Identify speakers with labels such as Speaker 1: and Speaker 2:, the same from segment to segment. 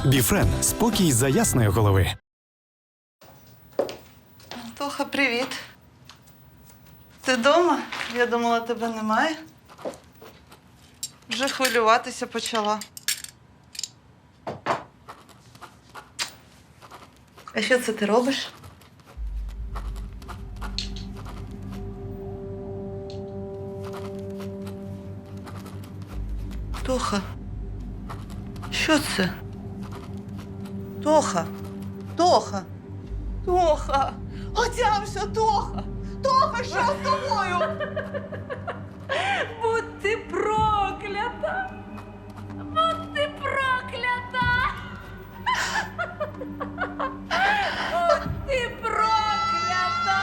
Speaker 1: Біфрен – спокій за ясної голови.
Speaker 2: Тоха, привіт. Ти вдома? Я думала, тебе немає. Вже хвилюватися почала. А що це ти робиш? Тоха. Що це? Тоха. Тоха. Тоха. Отямся, Тоха. Тоха, що з тобою?
Speaker 3: Будь ти проклята! Будь ти проклята! Будь ти проклята!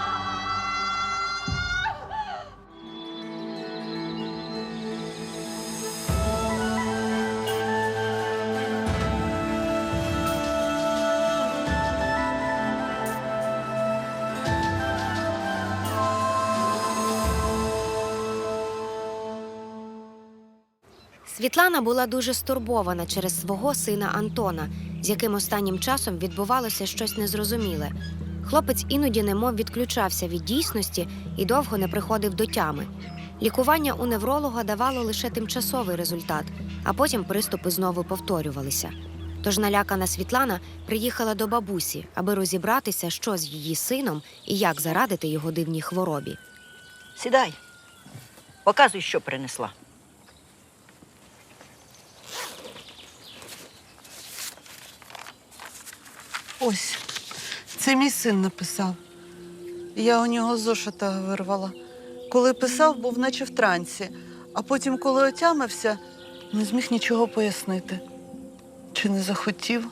Speaker 4: Світлана була дуже стурбована через свого сина Антона, з яким останнім часом відбувалося щось незрозуміле. Хлопець іноді немов відключався від дійсності і довго не приходив до тями. Лікування у невролога давало лише тимчасовий результат, а потім приступи знову повторювалися. Тож налякана Світлана приїхала до бабусі, аби розібратися, що з її сином і як зарадити його дивній хворобі.
Speaker 5: Сідай. Показуй, що принесла.
Speaker 2: Ось, це мій син написав. Я у нього з зошита вирвала. Коли писав, був наче в трансі, а потім, коли отямився, не зміг нічого пояснити. Чи не захотів?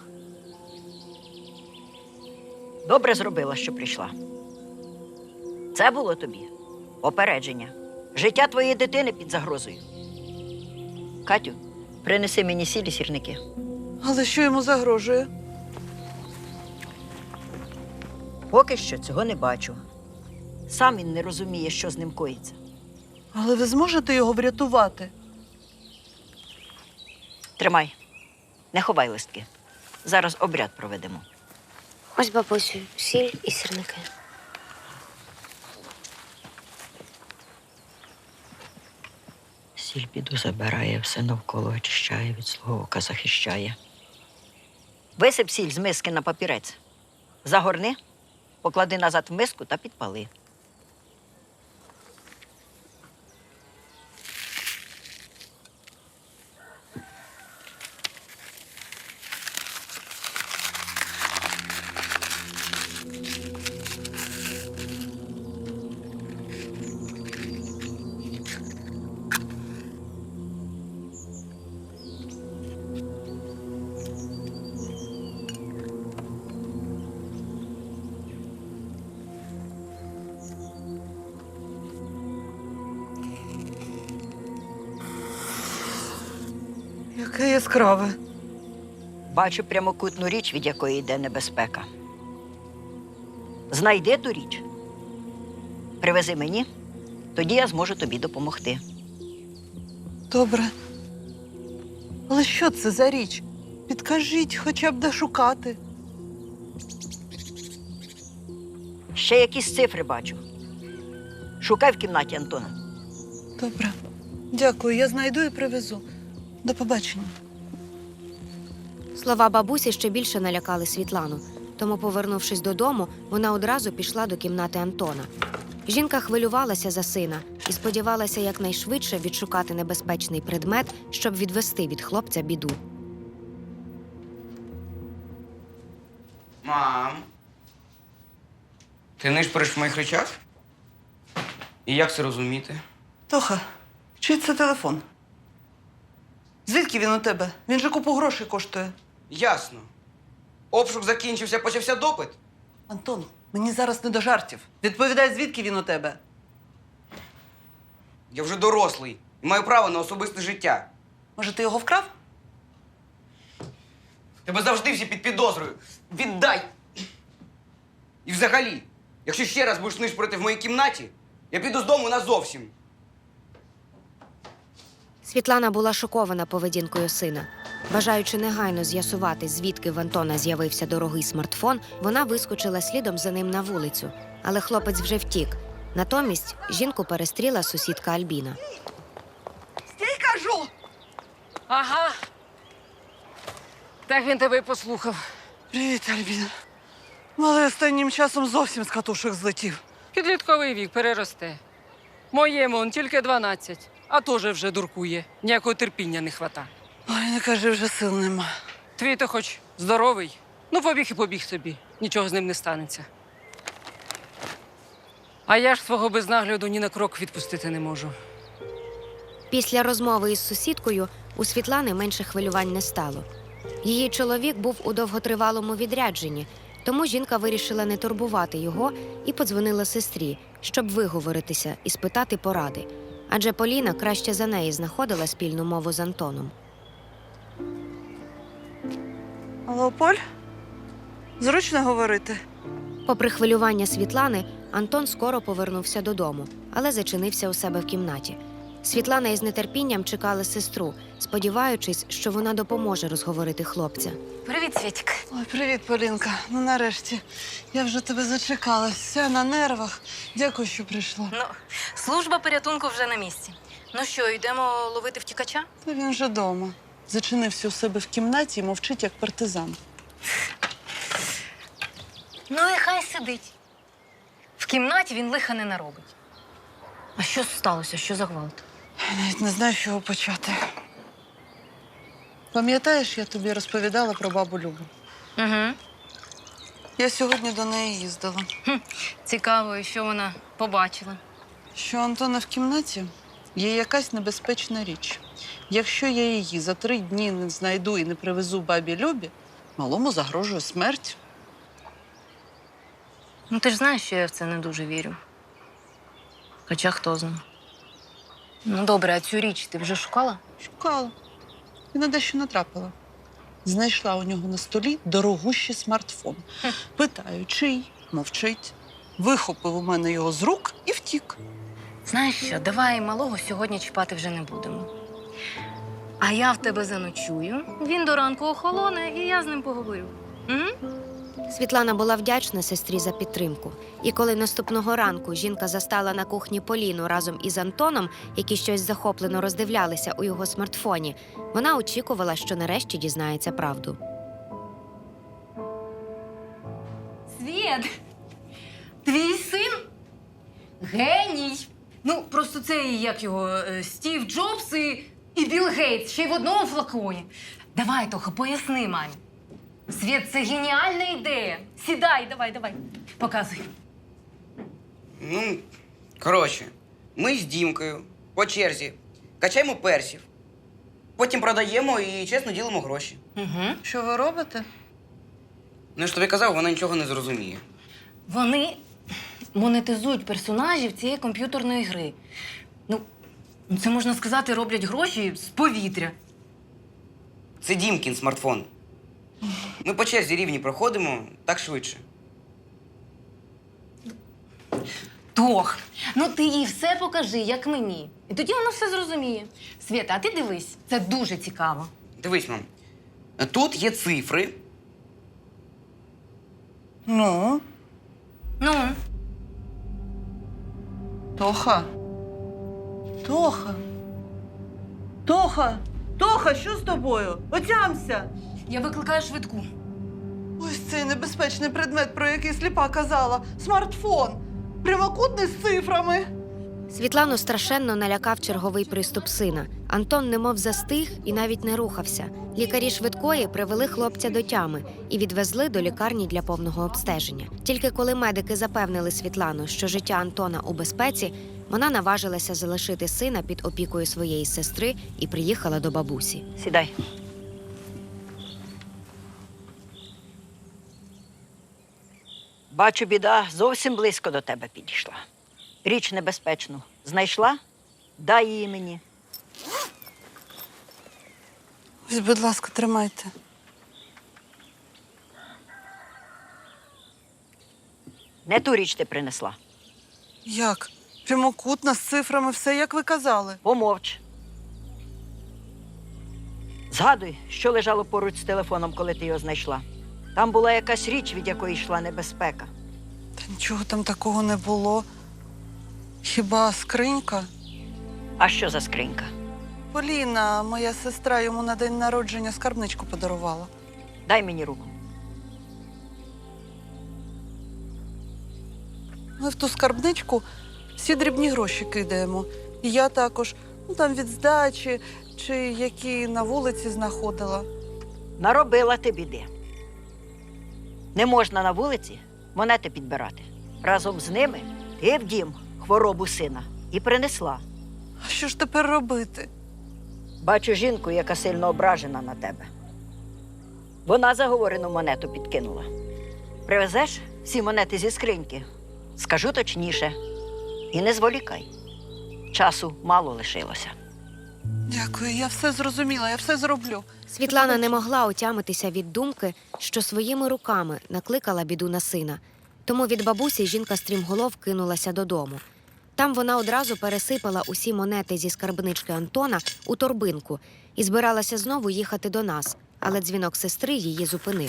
Speaker 5: Добре зробила, що прийшла. Це було тобі попередження. Життя твоєї дитини під загрозою. Катю, принеси мені сіль і сірники.
Speaker 2: Але що йому загрожує?
Speaker 5: Поки що цього не бачу. Сам він не розуміє, що з ним коїться.
Speaker 2: Але ви зможете його врятувати?
Speaker 5: Тримай, не ховай листки. Зараз обряд проведемо.
Speaker 4: Ось, бабусю, сіль і сірники.
Speaker 5: Сіль біду забирає, все навколо очищає, від злого ока захищає. Висип сіль з миски на папірець. Загорни, поклади назад в миску та підпали.
Speaker 2: Яке яскраве.
Speaker 5: Бачу прямокутну річ, від якої йде небезпека. Знайди ту річ. Привези мені, тоді я зможу тобі допомогти.
Speaker 2: Добре. Але що це за річ? Підкажіть, хоча б де шукати.
Speaker 5: Ще якісь цифри бачу. Шукай в кімнаті Антона.
Speaker 2: Добре. Дякую, я знайду і привезу. До побачення.
Speaker 4: Слова бабусі ще більше налякали Світлану, тому, повернувшись додому, вона одразу пішла до кімнати Антона. Жінка хвилювалася за сина і сподівалася якнайшвидше відшукати небезпечний предмет, щоб відвести від хлопця біду.
Speaker 6: Мам, ти нишпориш в моїх речах? І як це розуміти?
Speaker 2: Тоха, чий це телефон? Звідки він у тебе? Він же купу грошей коштує.
Speaker 6: Ясно. Обшук закінчився, почався допит?
Speaker 2: Антон, мені зараз не до жартів. Відповідай, звідки він у тебе?
Speaker 6: Я вже дорослий і маю право на особисте життя.
Speaker 2: Може, ти його вкрав?
Speaker 6: Тебе завжди всі під підозрою. Віддай! І взагалі, якщо ще раз будеш нишпорити в моїй кімнаті, я піду з дому назовсім.
Speaker 4: Світлана була шокована поведінкою сина. Бажаючи негайно з'ясувати, звідки в Антона з'явився дорогий смартфон, вона вискочила слідом за ним на вулицю. Але хлопець вже втік. Натомість жінку перестріла сусідка Альбіна.
Speaker 2: Стій, кажу!
Speaker 3: Ага. Так він тебе й послухав.
Speaker 2: Привіт, Альбіна. Малий останнім часом зовсім з катушок злетів.
Speaker 3: Підлітковий вік переросте. Моєму он тільки 12, а теж вже дуркує. Ніякого терпіння не хвата.
Speaker 2: Ой, не кажи, вже сил нема.
Speaker 3: Твій то хоч здоровий. Ну, побіг і побіг собі. Нічого з ним не станеться. А я ж свого без нагляду ні на крок відпустити не можу.
Speaker 4: Після розмови із сусідкою у Світлани менше хвилювань не стало. Її чоловік був у довготривалому відрядженні, тому жінка вирішила не турбувати його і подзвонила сестрі, щоб виговоритися і спитати поради. Адже Поліна краще за неї знаходила спільну мову з Антоном.
Speaker 2: Алло, Поль? Зручно говорити?
Speaker 4: Попри хвилювання Світлани, Антон скоро повернувся додому, але зачинився у себе в кімнаті. Світлана із нетерпінням чекала сестру, сподіваючись, що вона допоможе розговорити хлопця.
Speaker 7: Привіт, Світік.
Speaker 2: Ой, привіт, Полінка. Ну, нарешті. Я вже тебе зачекалась. Вся на нервах. Дякую, що прийшла.
Speaker 7: Ну, служба порятунку вже на місці. Ну що, йдемо ловити втікача?
Speaker 2: Та він вже дома. Зачинився у себе в кімнаті і мовчить, як партизан.
Speaker 7: Ну і хай сидить. В кімнаті він лиха не наробить. А що сталося? Що за гвалт?
Speaker 2: Я навіть не знаю, з чого почати. Пам'ятаєш, я тобі розповідала про бабу Любу?
Speaker 7: Угу.
Speaker 2: Я сьогодні до неї їздила.
Speaker 7: Цікаво, і що вона побачила.
Speaker 2: Що у Антона в кімнаті є якась небезпечна річ. Якщо я її за 3 дні не знайду і не привезу бабі Любі, малому загрожує смерть.
Speaker 7: Ну, ти ж знаєш, що я в це не дуже вірю. Хоча хто знає. Ну, добре, а цю річ ти вже шукала?
Speaker 2: Шукала. І на дещо натрапила. Знайшла у нього на столі дорогущий смартфон. Питаю, чий? Мовчить. Вихопив у мене його з рук і втік.
Speaker 7: Знаєш що, давай малого сьогодні чіпати вже не будемо. А я в тебе заночую, він до ранку охолоне, і я з ним поговорю. Угу?
Speaker 4: Світлана була вдячна сестрі за підтримку. І коли наступного ранку жінка застала на кухні Поліну разом із Антоном, які щось захоплено роздивлялися у його смартфоні, вона очікувала, що нарешті дізнається правду.
Speaker 7: Світ, твій син геній. Ну, просто цей, як його, Стів Джобс і Білл Гейтс, ще й в одному флаконі. Давай, Тоха, поясни мамі. Світ, це геніальна ідея. Сідай, давай. Показуй.
Speaker 6: Ну, коротше, ми з Дімкою по черзі качаємо персів, потім продаємо і чесно ділимо гроші.
Speaker 7: Угу.
Speaker 2: Що ви робите?
Speaker 6: Ну, я ж тобі казав, вона нічого не зрозуміє.
Speaker 7: Вони монетизують персонажів цієї комп'ютерної гри. Ну, це, можна сказати, роблять гроші з повітря.
Speaker 6: Це Дімкін смартфон. Ми по черзі рівні проходимо, так швидше.
Speaker 7: Тох, ну ти їй все покажи, як мені. І тоді вона все зрозуміє. Свєта, а ти дивись, це дуже цікаво.
Speaker 6: Дивись, мам. Тут є цифри.
Speaker 2: Ну,
Speaker 7: Ну,
Speaker 2: Тоха. Тоха. Тоха! Тоха, що з тобою? Отямся!
Speaker 7: я викликаю швидку.
Speaker 2: Ось цей небезпечний предмет, про який сліпа казала. Смартфон. Прямокутний з цифрами.
Speaker 4: Світлану страшенно налякав черговий приступ сина. Антон немов застиг і навіть не рухався. Лікарі швидкої привели хлопця до тями і відвезли до лікарні для повного обстеження. Тільки коли медики запевнили Світлану, що життя Антона у безпеці, вона наважилася залишити сина під опікою своєї сестри і приїхала до бабусі.
Speaker 5: Сідай. Бачу, біда зовсім близько до тебе підійшла. Річ небезпечну знайшла? Дай її мені.
Speaker 2: Ось, будь ласка, тримайте.
Speaker 5: Не ту річ ти принесла.
Speaker 2: Як? Прямокутна з цифрами, все, як ви казали.
Speaker 5: Помовч. Згадуй, що лежало поруч з телефоном, коли ти його знайшла. Там була якась річ, від якої йшла небезпека.
Speaker 2: Та нічого там такого не було. Хіба скринька?
Speaker 5: А що за скринька?
Speaker 2: Поліна, моя сестра, йому на день народження скарбничку подарувала.
Speaker 5: Дай мені руку.
Speaker 2: Ми в ту скарбничку всі дрібні гроші кидаємо. І я також, там від здачі, чи які на вулиці знаходила.
Speaker 5: Наробила ти біди. Не можна на вулиці монети підбирати. Разом з ними ти в дім хворобу сина і принесла.
Speaker 2: А що ж тепер робити?
Speaker 5: Бачу жінку, яка сильно ображена на тебе. Вона заговорену монету підкинула. Привезеш всі монети зі скриньки? Скажу точніше. І не зволікай. Часу мало лишилося.
Speaker 2: Дякую, я все зрозуміла, я все зроблю.
Speaker 4: Світлана не могла отямитися від думки, що своїми руками накликала біду на сина. Тому від бабусі жінка стрімголов кинулася додому. Там вона одразу пересипала усі монети зі скарбнички Антона у торбинку і збиралася знову їхати до нас, але дзвінок сестри її зупинив.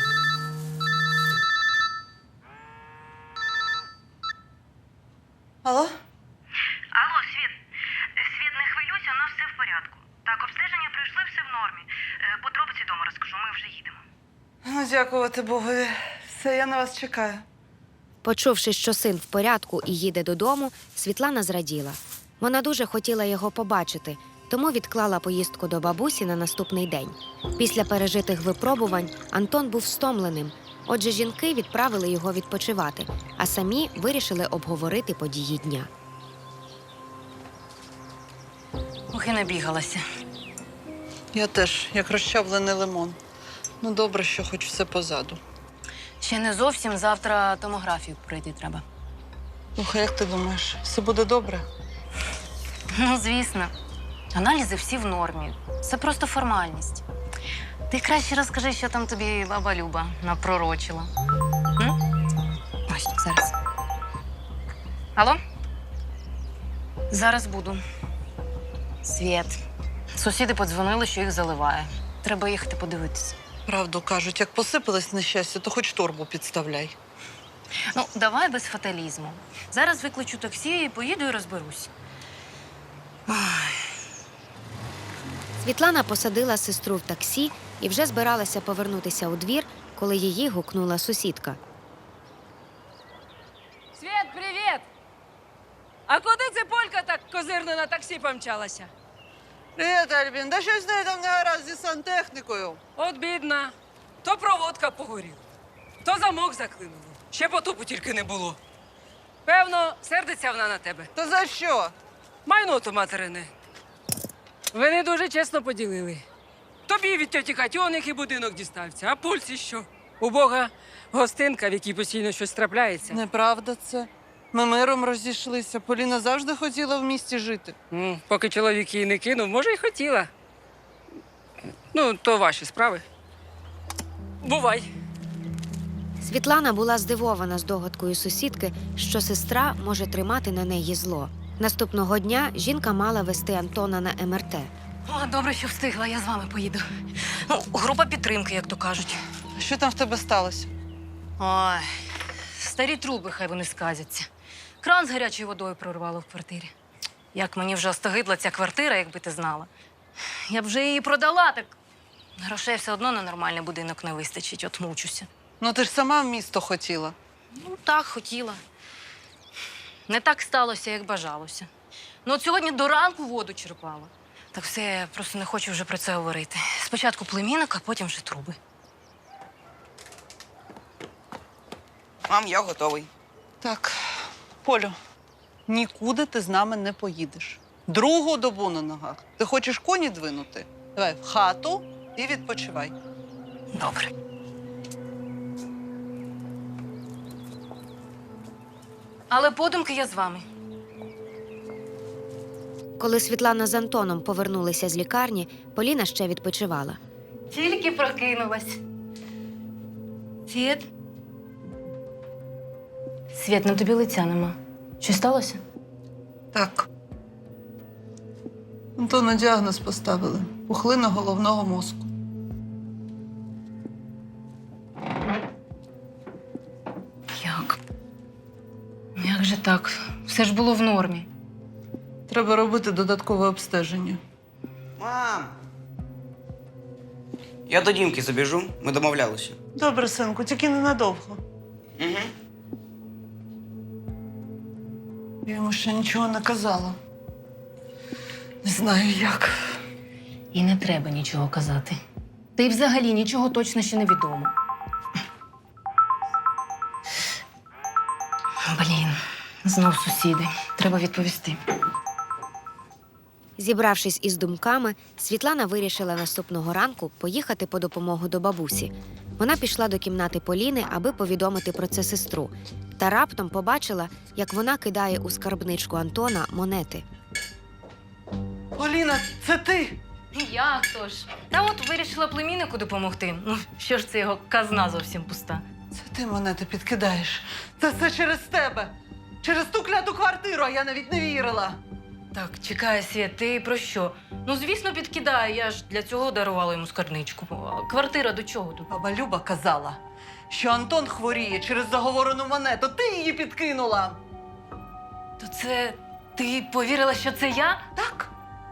Speaker 2: Алло?
Speaker 8: Алло, Світ. Світ, не хвилюйся, у нас все в порядку. Так, обстеження пройшли, все в нормі. Подробиці дома розкажу, ми вже їдемо.
Speaker 2: Ну, дякувати Богові. Все, я на вас чекаю.
Speaker 4: Почувши, що син в порядку і їде додому, Світлана зраділа. Вона дуже хотіла його побачити, тому відклала поїздку до бабусі на наступний день. Після пережитих випробувань Антон був стомленим, отже жінки відправили його відпочивати, а самі вирішили обговорити події дня.
Speaker 7: Ох, і набігалася.
Speaker 2: Я теж, як розчавлений лимон. Ну, добре, що хоч все позаду.
Speaker 7: Ще не зовсім, завтра томографію пройти треба.
Speaker 2: Слухай, як ти думаєш, все буде добре?
Speaker 7: Ну, звісно. Аналізи всі в нормі. Це просто формальність. Ти краще розкажи, що там тобі баба Люба напророчила. М? Ось, зараз. Алло? Зараз буду. Світ. Сусіди подзвонили, що їх заливає. Треба їхати подивитися.
Speaker 2: Правду кажуть, як посипалось нещастя, то хоч торбу підставляй.
Speaker 7: Ну, давай без фаталізму. Зараз викличу таксі і поїду і розберусь.
Speaker 4: Світлана посадила сестру в таксі і вже збиралася повернутися у двір, коли її гукнула сусідка.
Speaker 3: Світ, привіт! А куди ця полька так козирно на таксі помчалася?
Speaker 2: Привіт, Альбін. Да щось в неї там не гаразд зі сантехнікою.
Speaker 3: От бідна. То проводка погоріла, то замок заклинуло. Ще потопу тільки не було. Певно, сердиться вона на тебе.
Speaker 2: То за що?
Speaker 3: Майно то материне. Ви не дуже чесно поділили. Тобі від тьоті Катьоних і будинок дістався, а пульсі що? У Бога гостинка, в якій постійно щось трапляється.
Speaker 2: Неправда це. Ми миром розійшлися. Поліна завжди хотіла в місті жити.
Speaker 3: Поки чоловік її не кинув, може, й хотіла. Ну, то ваші справи. Бувай.
Speaker 4: Світлана була здивована здогадкою сусідки, що сестра може тримати на неї зло. Наступного дня жінка мала вести Антона на МРТ.
Speaker 7: О, добре, що встигла, я з вами поїду. Ну, група підтримки, як то кажуть.
Speaker 2: А що там в тебе сталося?
Speaker 7: Ой, старі труби, хай вони сказяться. Кран з гарячою водою прорвало в квартирі. Як мені вже остогидла ця квартира, якби ти знала. Я б вже її продала, так грошей все одно на нормальний будинок не вистачить, от мучуся.
Speaker 2: Ну ти ж сама в місто хотіла.
Speaker 7: Ну, так, хотіла. Не так сталося, як бажалося. Ну, от сьогодні до ранку воду черпала. Так все, я просто не хочу вже про це говорити. Спочатку племінник, а потім вже труби.
Speaker 6: Мам, я готовий.
Speaker 2: Так, Полю, нікуди ти з нами не поїдеш. Другу добу на ногах. Ти хочеш коні двинути? Давай в хату і відпочивай.
Speaker 7: Добре. Але подумки я з вами.
Speaker 4: Коли Світлана з Антоном повернулися з лікарні, Поліна ще відпочивала.
Speaker 7: Тільки прокинулась. Світ? Світ, на тобі лиця нема. Що сталося?
Speaker 2: Так. Антону діагноз поставили. пухлина головного мозку.
Speaker 7: Як? Як же так? Все ж було в нормі.
Speaker 2: Треба робити додаткове обстеження.
Speaker 6: Мам! Я до Дімки забіжу, ми домовлялися.
Speaker 2: Добре, синку, тільки ненадовго.
Speaker 6: Угу.
Speaker 2: Я йому ще нічого не казала. Не знаю як.
Speaker 7: І не треба нічого казати. Та й взагалі нічого точно ще не відомо. Блін, знов сусіди. Треба відповісти.
Speaker 4: Зібравшись із думками, Світлана вирішила наступного ранку поїхати по допомогу до бабусі. Вона пішла до кімнати Поліни, аби повідомити про це сестру. Та раптом побачила, як вона кидає у скарбничку Антона монети.
Speaker 2: Поліна, це ти?
Speaker 7: Як то ж? Та от вирішила племіннику допомогти. Ну, що ж це його казна зовсім пуста.
Speaker 2: Це ти монети підкидаєш. Це все через тебе. Через ту кляту квартиру, а я навіть не вірила.
Speaker 7: Так, чекай, Світ, ти про що? Ну, звісно, підкидаю, я ж для цього дарувала йому скарбничку. А квартира до чого тут?
Speaker 2: Баба Люба казала, що Антон хворіє через заговорену монету. Ти її підкинула.
Speaker 7: То це ти повірила, що це я?
Speaker 2: Так?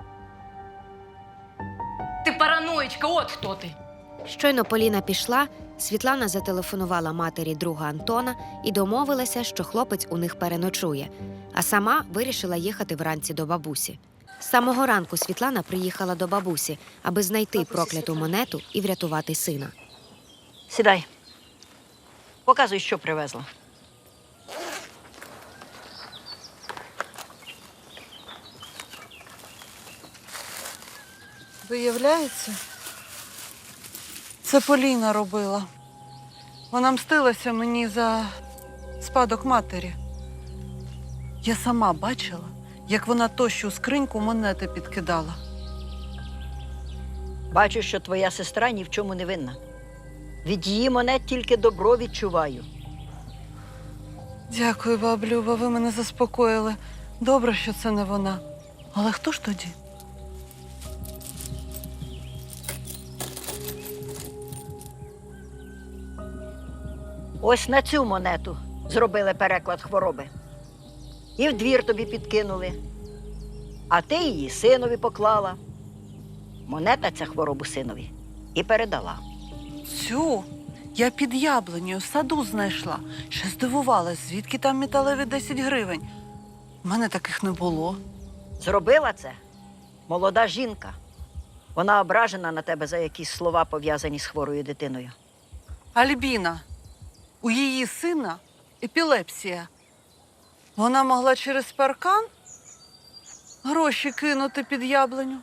Speaker 7: Ти параноїчка, от хто ти.
Speaker 4: Щойно Поліна пішла, Світлана зателефонувала матері друга Антона і домовилася, що хлопець у них переночує, а сама вирішила їхати вранці до бабусі. З самого ранку Світлана приїхала до бабусі, аби знайти прокляту монету і врятувати сина.
Speaker 5: Сідай. Показуй, що привезла.
Speaker 2: Виявляється, це Поліна робила. Вона мстилася мені за спадок матері. Я сама бачила, як вона тощу скриньку монети підкидала.
Speaker 5: Бачу, що твоя сестра ні в чому не винна. Від її монет тільки добро відчуваю.
Speaker 2: Дякую, баб Люба, ви мене заспокоїли. Добре, що це не вона. Але хто ж тоді?
Speaker 5: Ось на цю монету зробили переклад хвороби. І в двір тобі підкинули. А ти її синові поклала. Монета ця хворобу синові і передала.
Speaker 2: Цю я під яблунею в саду знайшла. Ще здивувалась, звідки там металеві 10 гривень. У мене таких не було.
Speaker 5: Зробила це молода жінка. Вона ображена на тебе за якісь слова, пов'язані з хворою дитиною.
Speaker 2: Альбіна, у її сина епілепсія. Вона могла через паркан гроші кинути під яблуню.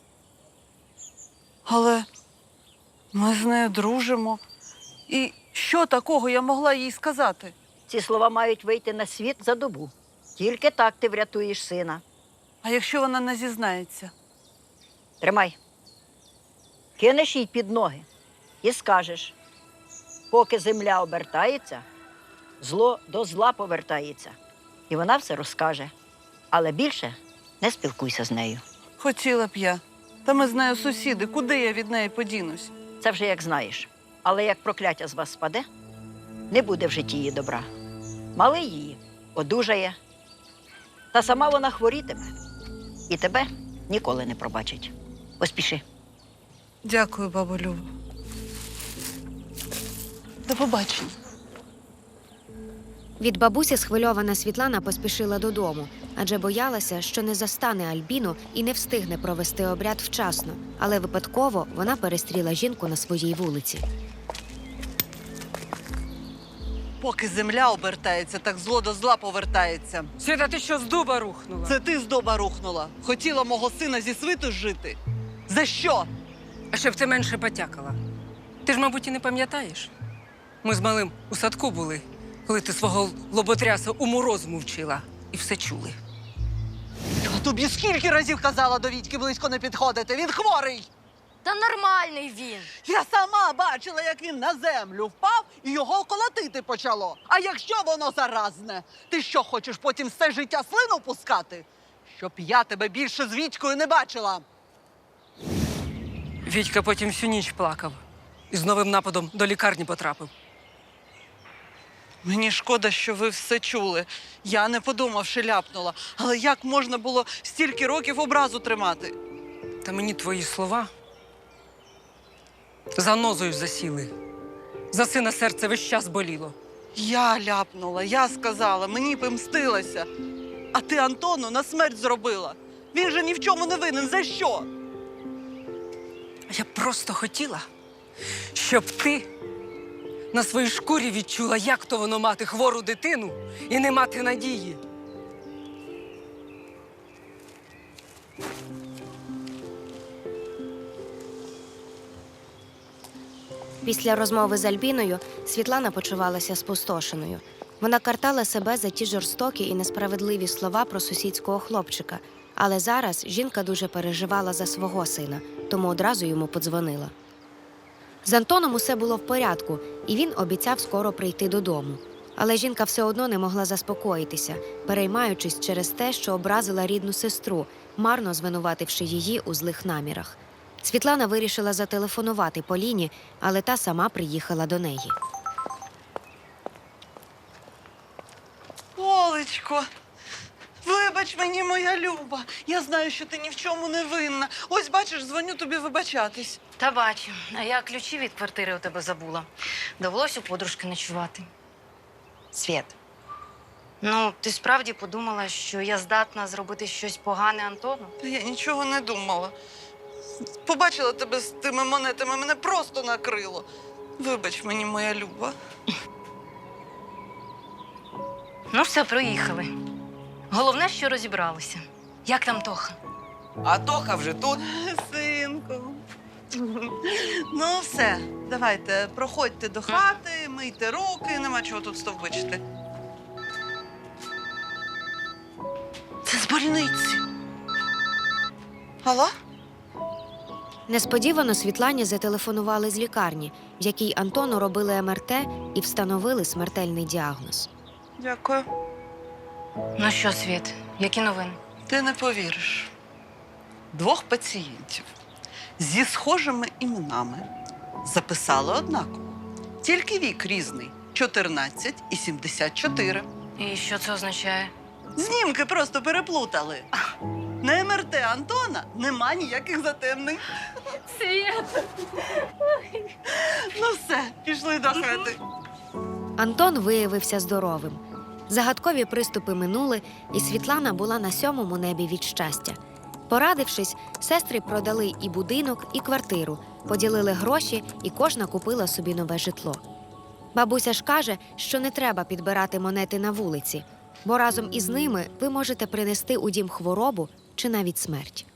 Speaker 2: Але ми з нею дружимо. І що такого я могла їй сказати?
Speaker 5: Ці слова мають вийти на світ за добу. Тільки так ти врятуєш сина.
Speaker 2: А якщо вона не зізнається?
Speaker 5: Тримай. Кинеш їй під ноги і скажеш, поки земля обертається, зло до зла повертається. І вона все розкаже. Але більше не спілкуйся з нею.
Speaker 2: Хотіла б я. Та ми з нею сусіди. Куди я від неї подінусь?
Speaker 5: Це вже як знаєш. Але як прокляття з вас спаде, не буде в житті її добра. Малий її одужає, та сама вона хворітиме. І тебе ніколи не пробачить. Поспіши.
Speaker 2: Дякую, бабу Любо. До побачення.
Speaker 4: Від бабусі схвильована Світлана поспішила додому, адже боялася, що не застане Альбіну і не встигне провести обряд вчасно. Але випадково вона перестріла жінку на своїй вулиці.
Speaker 2: Поки земля обертається, так зло до зла повертається.
Speaker 3: Світа, ти що з дуба рухнула?
Speaker 2: Це ти з доба рухнула. Хотіла мого сина зі свиту жити. За що?
Speaker 3: А щоб ти менше потякала. Ти ж, мабуть, і не пам'ятаєш? Ми з малим у садку були, коли ти свого лоботряса уму-розуму вчила. І все чули.
Speaker 2: Я тобі скільки разів казала до Вітьки близько не підходити. Він хворий.
Speaker 7: Та нормальний він.
Speaker 2: Я сама бачила, як він на землю впав і його колотити почало. А якщо воно заразне? Ти що, хочеш потім все життя слину пускати? Щоб я тебе більше з Вітькою не бачила.
Speaker 3: Вітька потім всю ніч плакав і з новим нападом до лікарні потрапив.
Speaker 2: Мені шкода, що ви все чули. Я не подумавши ляпнула. Але як можна було стільки років образу тримати?
Speaker 3: Та мені твої слова занозою засіли. За сина серце весь час боліло.
Speaker 2: Я ляпнула, я сказала, мені помстилася. А ти Антону на смерть зробила. Він же ні в чому не винен. За що?
Speaker 3: Я просто хотіла, щоб ти на своїй шкурі відчула, як то воно мати хвору дитину і не мати надії.
Speaker 4: Після розмови з Альбіною Світлана почувалася спустошеною. Вона картала себе за ті жорстокі і несправедливі слова про сусідського хлопчика. Але зараз жінка дуже переживала за свого сина, тому одразу йому подзвонила. З Антоном усе було в порядку, і він обіцяв скоро прийти додому. Але жінка все одно не могла заспокоїтися, переймаючись через те, що образила рідну сестру, марно звинувативши її у злих намірах. Світлана вирішила зателефонувати Поліні, але та сама приїхала до неї.
Speaker 2: Олечко, вибач мені, моя Люба. Я знаю, що ти ні в чому не винна. Ось, бачиш, дзвоню тобі вибачатись.
Speaker 7: Та бачу, а я ключі від квартири у тебе забула. Довелось у подружки ночувати. Світ, ну, ти справді подумала, що я здатна зробити щось погане Антону?
Speaker 2: Та я нічого не думала. Побачила тебе з тими монетами, мене просто накрило. Вибач мені, моя Люба.
Speaker 7: Ну, все, проїхали. Головне, що розібралися. Як там Тоха?
Speaker 6: А Тоха вже тут.
Speaker 2: Синку. Ну, все, давайте, проходьте до хати, мийте руки, нема чого тут стовбичити. Це з больниці. Алло?
Speaker 4: Несподівано Світлані зателефонували з лікарні, в якій Антону робили МРТ і встановили смертельний діагноз.
Speaker 2: Дякую.
Speaker 7: Ну що, Світ, які новини?
Speaker 2: Ти не повіриш. 2 пацієнтів зі схожими іменами записали однаково. Тільки вік різний – 14 і 74.
Speaker 7: І що це означає?
Speaker 2: Знімки просто переплутали. На МРТ Антона нема ніяких затемнень.
Speaker 7: Світ!
Speaker 2: Ну все, пішли до хати.
Speaker 4: Антон виявився здоровим. Загадкові приступи минули, і Світлана була на 7-му небі від щастя. Порадившись, сестри продали і будинок, і квартиру, поділили гроші, і кожна купила собі нове житло. Бабуся ж каже, що не треба підбирати монети на вулиці, бо разом із ними ви можете принести у дім хворобу чи навіть смерть.